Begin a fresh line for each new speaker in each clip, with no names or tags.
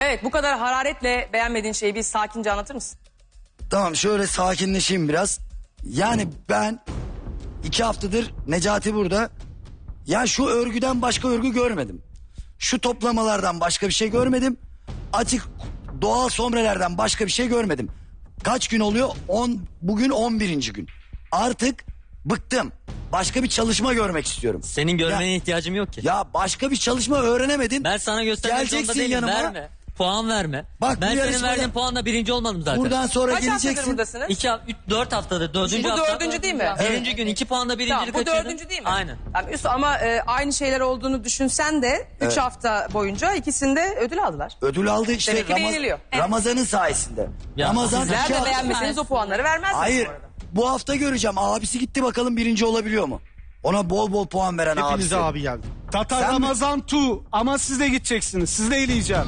Evet, bu kadar hararetle beğenmediğin şeyi bir sakince anlatır mısın?
Tamam, şöyle sakinleşeyim biraz. Yani ben 2 haftadır Necati burada. Ya şu örgüden başka örgü görmedim. Şu toplamalardan başka bir şey görmedim. Açık doğal somrelerden başka bir şey görmedim. Kaç gün oluyor? Bugün 11. gün. Artık bıktım. Başka bir çalışma görmek istiyorum.
Senin görmene
Ya-
ihtiyacım yok ki.
Ya başka bir çalışma öğrenemedin.
Ben sana göstermek zorunda
Geleceksin
değilim.
yanıma.
Verme. Puan verme.
Bak, bu
ben senin
yarışmada-
verdiğin puanla birinci olmadım zaten.
Buradan sonra
Kaç haftadır
geleceksin.
buradasınız?
4 haftadır. Dördüncü
Bu
hafta.
dördüncü değil mi?
Birinci gün 2 puanla birincilik
Tamam, bu
kaçırdın.
dördüncü değil mi?
Aynen.
Tamam, ama aynı şeyler olduğunu düşünsen de 3 hafta boyunca ikisinde ödül aldılar.
Ödül aldı işte
Demek ki beğeniliyor.
Ramazan'ın sayesinde.
Ya,
Ramazan
Sizler
2
de
hafta...
beğenmeseniz o puanları vermezsiniz
Hayır,
bu arada.
bu hafta göreceğim. Abisi gitti, bakalım birinci olabiliyor mu? Ona bol bol puan veren abisi.
Hepinize abi geldi. Tatar
Sen mi-
Ramazan Tu ama siz de gideceksiniz. Siz de eleyeceğim.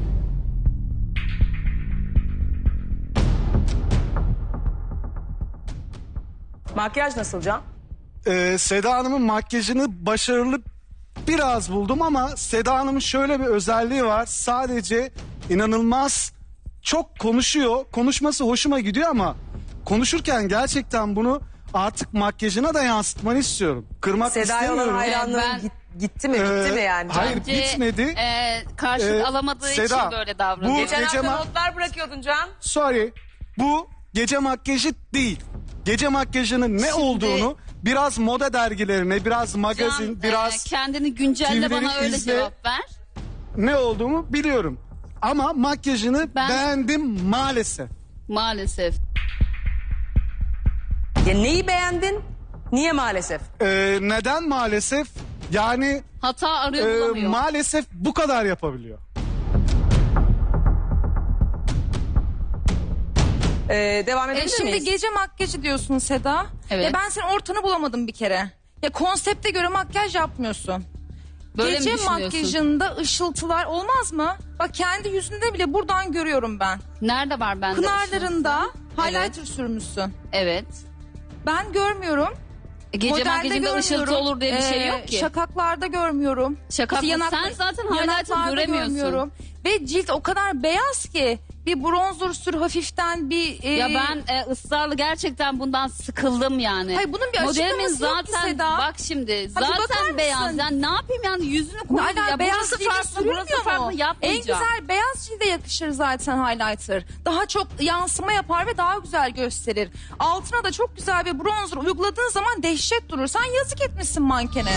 Makyaj nasıl Can?
Seda Hanım'ın makyajını başarılı biraz buldum ama Seda Hanım'ın şöyle bir özelliği var. Sadece inanılmaz çok konuşuyor. Konuşması hoşuma gidiyor ama konuşurken gerçekten bunu artık makyajına da yansıtmanı istiyorum. Kırmak
Seda'ya olan
istemiyorum.
hayranlığın
Ben-
gitti mi? Bitti mi yani? Can?
Hayır, bitmedi.
Karşılık alamadığı
Seda,
için böyle davranıyor.
bu-
Geçen
gece
hafta
ma-
notlar bırakıyordun Can.
Sorry. Bu gece makyajı değil. Gece makyajının ne olduğunu biraz moda dergilerine, biraz magazin,
Can,
biraz
kendini güncelle,
TV'leri
bana öyle
izle.
cevap ver.
ne olduğumu biliyorum. Ama makyajını
Ben-
beğendim maalesef.
Maalesef.
Ya neyi beğendin? Niye maalesef?
Neden maalesef? Yani
Hata arıyor, bulamıyor.
maalesef bu kadar yapabiliyor.
Devam edebilir
Şimdi
miyiz?
gece makyajı diyorsun Seda.
Evet.
Ya ben senin ortanı bulamadım bir kere. Ya konsepte göre makyaj yapmıyorsun.
Böyle mi
Gece
düşünüyorsun?
makyajında ışıltılar olmaz mı? Bak kendi yüzünde bile buradan görüyorum ben.
Nerede var bende?
Pınarlarında
Evet.
highlighter sürmüşsün.
Evet.
Ben görmüyorum.
Gece
Modelde
makyajında ışıltı
görmüyorum.
olur diye bir şey yok ki.
Şakaklarda görmüyorum.
Şakak mı? Sen zaten highlighter
yanaklarda
göremiyorsun.
görmüyorum. Ve cilt o kadar beyaz ki bir bronzer sür hafiften bir...
Ya ben ısrarlı gerçekten bundan sıkıldım yani.
Hayır, bunun bir
Modelimin
açıklaması yok ki
zaten
Seda.
bak şimdi
bakar
zaten
mısın?
beyaz. Yani ne yapayım yani yüzünü koydum.
Hala
Ya
beyaz
burası
cilde
farklı, burası
sürülmüyor
farklı
mu? En
yapmayacağım.
güzel beyaz cilde yakışır zaten highlighter. Daha çok yansıma yapar ve daha güzel gösterir. Altına da çok güzel bir bronzer uyguladığın zaman dehşet durur. Sen yazık etmişsin mankene.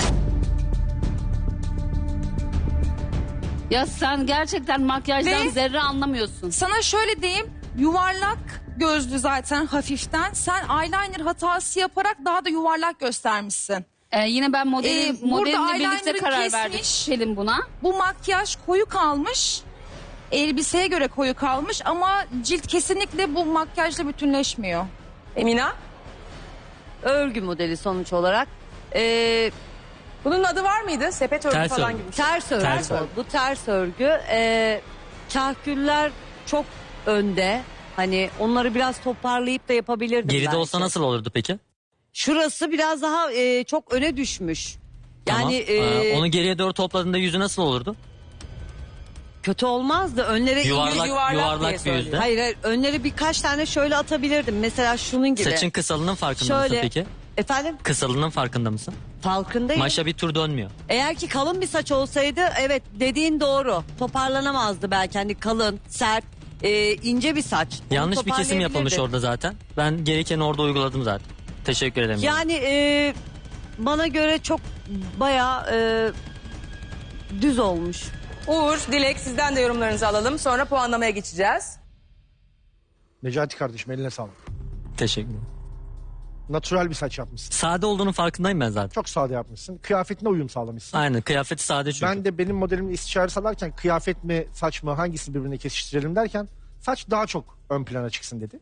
Ya sen gerçekten makyajdan
Ve-
zerre anlamıyorsun.
Sana şöyle diyeyim, yuvarlak gözlü zaten hafiften. Sen eyeliner hatası yaparak daha da yuvarlak göstermişsin.
Yine ben
Burada
modelimle birlikte
eyeliner'ı
karar verdik
kesmiş.
Pelin buna.
Bu makyaj koyu kalmış. Elbiseye göre koyu kalmış ama cilt kesinlikle bu makyajla bütünleşmiyor.
Emina?
Örgü modeli sonuç olarak.
Bunun adı var mıydı? Sepet örgü
Ters
falan
örgü.
gibi.
Ters örgü.
Ters örgü.
Bu ters örgü. Kahküller çok önde. Hani onları biraz toparlayıp da yapabilirdim
Geride
belki.
olsa nasıl olurdu peki?
Şurası biraz daha çok öne düşmüş. Yani
Tamam. Onu geriye doğru topladığında yüzü nasıl olurdu?
kötü olmazdı. Önlere
yuvarlak
Yuvarlak
diye
bir
söylüyor.
yüzde.
Hayır, önlere birkaç tane şöyle atabilirdim. Mesela şunun gibi.
Saçın kısalının farkında mısın
Şöyle.
peki?
Efendim?
Kısalının farkında mısın?
Farkındayım.
Maşa bir tur dönmüyor.
Eğer ki kalın bir saç olsaydı evet dediğin doğru. Toparlanamazdı belki. Hani kalın, sert, ince bir saç. Onu
Yanlış bir kesim yapılmış
toparlayabilirdi.
orada zaten. Ben gerekeni orada uyguladım zaten. Teşekkür ederim.
Yani bana göre çok bayağı düz olmuş.
Uğur, Dilek sizden de yorumlarınızı alalım. Sonra puanlamaya geçeceğiz.
Necati kardeşim eline sağlık.
Teşekkür ederim.
Natural bir saç yapmışsın.
Sade olduğunun farkındayım ben zaten.
Çok sade yapmışsın. Kıyafetine uyum sağlamışsın.
Aynen, kıyafeti sade çünkü.
Ben de benim modelimle istişare salarken kıyafet mi saç mı hangisini birbirine kesiştirelim derken saç daha çok ön plana çıksın dedi.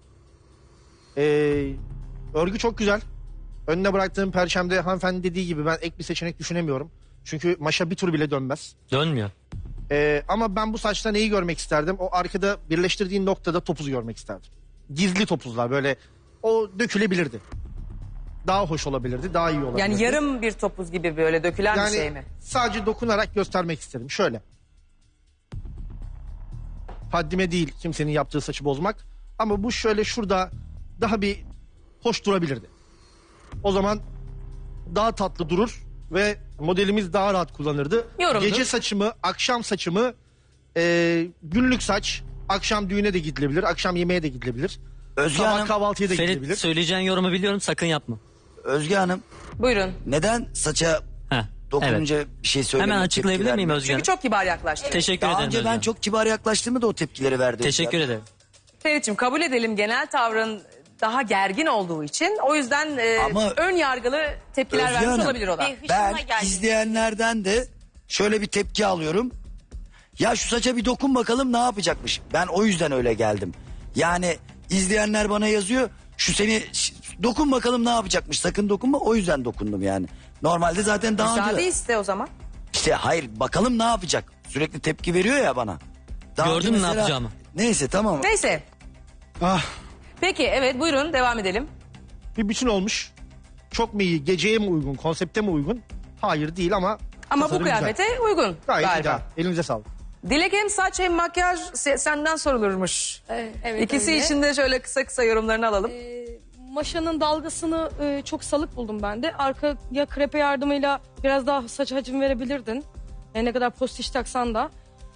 Örgü çok güzel. Önüne bıraktığım perşemde hanımefendi dediği gibi ben ek bir seçenek düşünemiyorum. Çünkü maşa bir tur bile dönmez.
Dönmüyor.
Ama ben bu saçta neyi görmek isterdim? O arkada birleştirdiğin noktada topuzu görmek isterdim. Gizli topuzlar böyle o dökülebilirdi. Daha hoş olabilirdi, daha iyi olabilirdi.
Yani yarım bir topuz gibi böyle dökülen bir şey mi?
Sadece dokunarak göstermek istedim. Şöyle. Haddime değil kimsenin yaptığı saçı bozmak. Ama bu şöyle şurada daha bir hoş durabilirdi. O zaman daha tatlı durur ve modelimiz daha rahat kullanırdı.
Yorumdur.
Gece saçımı, akşam saçımı, günlük saç, akşam düğüne de gidilebilir, akşam yemeğe de gidilebilir.
Özge
Sabah
Hanım,
kahvaltıya da gidilebilir.
Ferit söyleyeceğin yorumu biliyorum, sakın yapma.
Özge Hanım
Buyurun.
neden saça
Heh,
dokununca
evet.
bir şey söylemek
Hemen açıklayabilir miyim Özge
Çünkü
Hanım?
çok kibar yaklaştı.
Teşekkür
Daha
ederim
önce
Özge
ben
Hanım.
çok kibar yaklaştığımda da o tepkileri verdi.
Teşekkür ederim.
Ferit'ciğim kabul edelim genel tavrın daha gergin olduğu için. O yüzden
Ama-
ön yargılı tepkiler
Özge
vermiş
Hanım,
olabilir o da.
Ben izleyenlerden de şöyle bir tepki alıyorum. Ya şu saça bir dokun bakalım ne yapacakmış. Ben o yüzden öyle geldim. Yani izleyenler bana yazıyor. Dokun bakalım ne yapacakmış. Sakın dokunma. O yüzden dokundum yani. Normalde zaten daha
Müsaade
önce...
iste o zaman.
İşte hayır bakalım ne yapacak. Sürekli tepki veriyor ya bana. Daha
Gördün
önce
mü ne yapacağımı?
Neyse tamam.
Neyse.
Ah,
Peki evet buyurun devam edelim.
Bir bütün olmuş. Çok mu iyi, geceye mi uygun, konsepte mi uygun? Hayır değil ama
Ama bu
tasarım güzel.
kıyafete uygun
Gayet
galiba.
ideal. Elinize sağlık.
Dilek hem saç hem makyaj senden sorulurmuş.
Evet,
İkisi
öyle.
için de şöyle kısa kısa yorumlarını alalım.
Maşanın dalgasını çok salık buldum ben de. Arkaya krepe yardımıyla biraz daha saç hacim verebilirdin. Ne kadar postiş taksan da.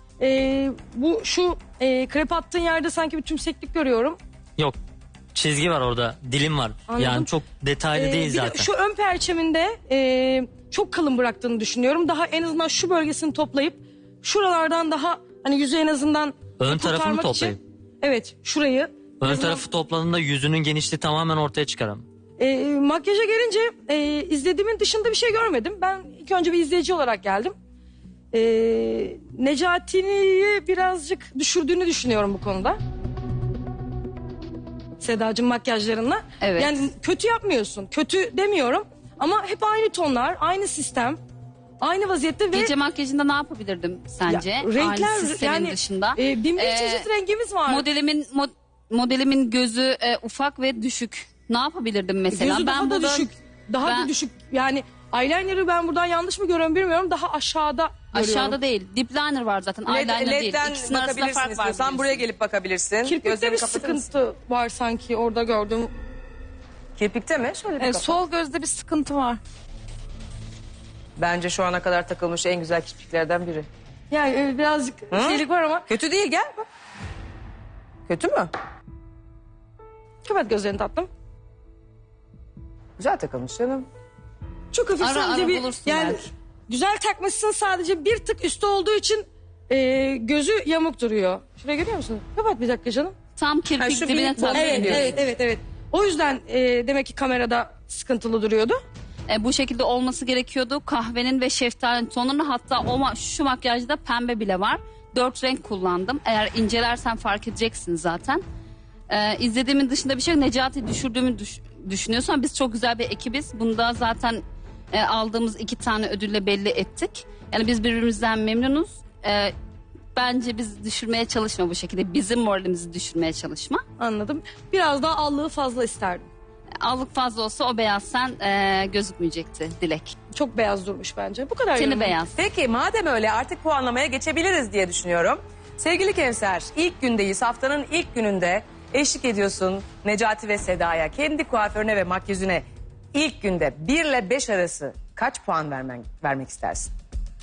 Şu krepe attığın yerde sanki bir tümseklik görüyorum.
Yok, çizgi var orada, dilim var.
Anladım.
Yani çok detaylı değil
Bir de
zaten.
şu ön perçeminde çok kalın bıraktığını düşünüyorum. Daha en azından şu bölgesini toplayıp şuralardan daha hani yüzü en azından
Ön tarafını
kurtarmak
toplayayım.
için. Evet şurayı.
Ön tarafı topladığında yüzünün genişliği tamamen ortaya çıkar ama.
Makyaja gelince izlediğimin dışında bir şey görmedim. Ben ilk önce bir izleyici olarak geldim. Necati'yi birazcık düşürdüğünü düşünüyorum bu konuda. Sedacığım makyajlarınla.
Evet.
Yani kötü yapmıyorsun. Kötü demiyorum. Ama hep aynı tonlar, aynı sistem, aynı vaziyette ve
Gece makyajında ne yapabilirdim sence?
Ya, renkler
Aynı sistemin
yani
dışında.
bin bir
Ee,
çeşit rengimiz var.
Modelimin gözü ufak ve düşük. Ne yapabilirdim mesela?
Gözü daha da
burada-
düşük. Daha
ben-
da düşük. Yani eyeliner'ı ben buradan yanlış mı görüyorum bilmiyorum. Daha aşağıda görüyorum.
Aşağıda değil. Dip liner var zaten. Eyeliner değil.
LED'den
İkisinin arasında
bakabilirsin
fark var.
istiyorsan buraya gelip bakabilirsin.
Kirpikte
Gözlerini
bir
kapatır mısın?
sıkıntı var sanki orada gördüm.
Kirpikte mi? Şöyle bir kapat.
Sol gözde bir sıkıntı var.
Bence şu ana kadar takılmış en güzel kirpiklerden biri.
Yani birazcık şeylik var ama.
Kötü değil gel. bak. Kötü mü?
Kapat gözlerini tatlım.
Güzel takılmış canım.
Çok hafif
Ara
sadece
ara
bir
bulursun
yani
belki.
güzel takmışsın sadece bir tık üstü olduğu için gözü yamuk duruyor. Şuraya görüyor musun? Kapat bir dakika canım.
Tam
Ha,
kirpik
şu
dibine
bir-
tatlı
Evet,
ediyorsun.
evet. O yüzden demek ki kamerada sıkıntılı duruyordu.
Bu şekilde olması gerekiyordu. Kahvenin ve şeftalinin tonunu, hatta şu makyajda pembe bile var. 4 renk kullandım. Eğer incelersen fark edeceksin zaten. İzlediğimin dışında bir şey yok. Necati düşürdüğümü düşünüyorsan biz çok güzel bir ekibiz. Bunda zaten aldığımız 2 tane ödülle belli ettik. Yani biz birbirimizden memnunuz. Bence biz düşürmeye çalışma bu şekilde. Bizim moralimizi düşürmeye çalışma.
Anladım. Biraz daha allığı fazla isterdim.
Allık fazla olsa o beyaz sen gözükmeyecekti Dilek.
Çok beyaz durmuş bence. Bu kadar
Seni
yorumum.
beyaz.
Peki madem öyle artık puanlamaya geçebiliriz diye düşünüyorum. Sevgili Kevser, ilk gündeyiz. Haftanın ilk gününde eşlik ediyorsun Necati ve Seda'ya. Kendi kuaförüne ve makyözüne ilk günde 1 ile 5 arası kaç puan vermek istersin?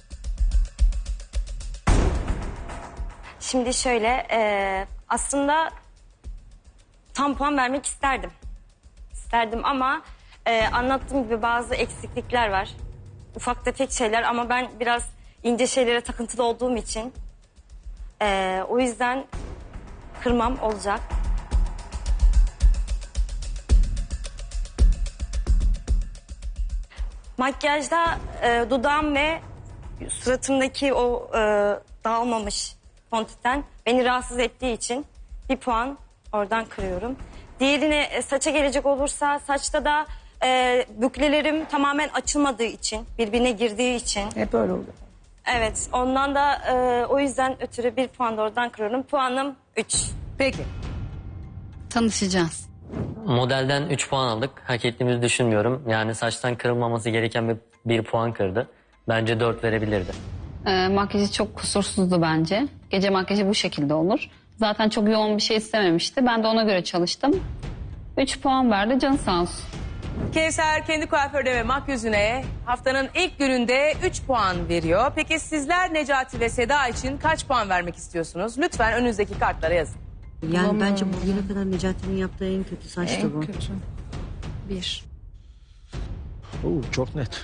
Şimdi şöyle aslında tam puan vermek isterdim. İsterdim ama anlattığım gibi bazı eksiklikler var. Ufak tefek şeyler ama ben biraz ince şeylere takıntılı olduğum için o yüzden kırmam olacak. Makyajda dudağım ve suratımdaki o dağılmamış fontiten beni rahatsız ettiği için bir puan oradan kırıyorum. Diğerine saça gelecek olursa saçta da büklelerim tamamen açılmadığı için, birbirine girdiği için.
Hep öyle oluyor.
Evet, ondan da o yüzden ötürü bir puan da oradan kırıyorum. Puanım 3.
Peki.
Tanışacağız.
Modelden 3 puan aldık. Hak ettiğimizi düşünmüyorum. Yani saçtan kırılmaması gereken bir puan kırdı. Bence 4 verebilirdi.
Makyajı çok kusursuzdu bence. Gece makyajı bu şekilde olur. Zaten çok yoğun bir şey istememişti. Ben de ona göre çalıştım. 3 puan verdi, canı sağ olsun.
Kevser kendi kuaförüne ve makyözüne haftanın ilk gününde 3 puan veriyor. Peki sizler Necati ve Seda için kaç puan vermek istiyorsunuz? Lütfen önünüzdeki kartlara yazın.
Yani bence bugüne kadar Necati'nin yaptığı en kötü saçtı bu.
Kötü. 1.
Çok net.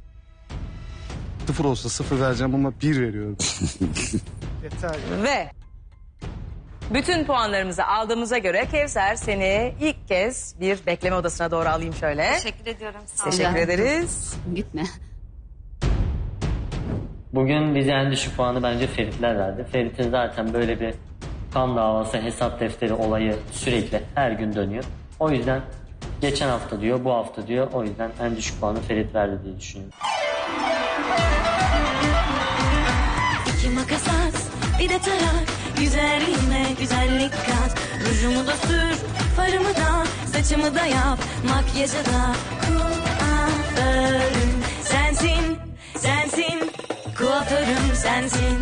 0 olsa 0 vereceğim ama 1 veriyorum.
Yeter.
Ve bütün puanlarımızı aldığımıza göre Kevser seni ilk kez bir bekleme odasına doğru alayım şöyle.
Teşekkür ediyorum. Sağ olun.
Teşekkür ederiz.
Gitme.
Bugün bize en düşük puanı bence Feritler verdi. Ferit'in zaten böyle bir kan davası, hesap defteri olayı sürekli her gün dönüyor. O yüzden geçen hafta diyor, bu hafta diyor. O yüzden en düşük puanı Ferit verdi diye düşünüyorum.
İki makas at, bir de tarak. Güzelliğime güzellik kat. Rujumu da sür, farımı da, saçımı da yap. Makyajı da kuaförüm sensin, sensin. Kuaförüm sensin.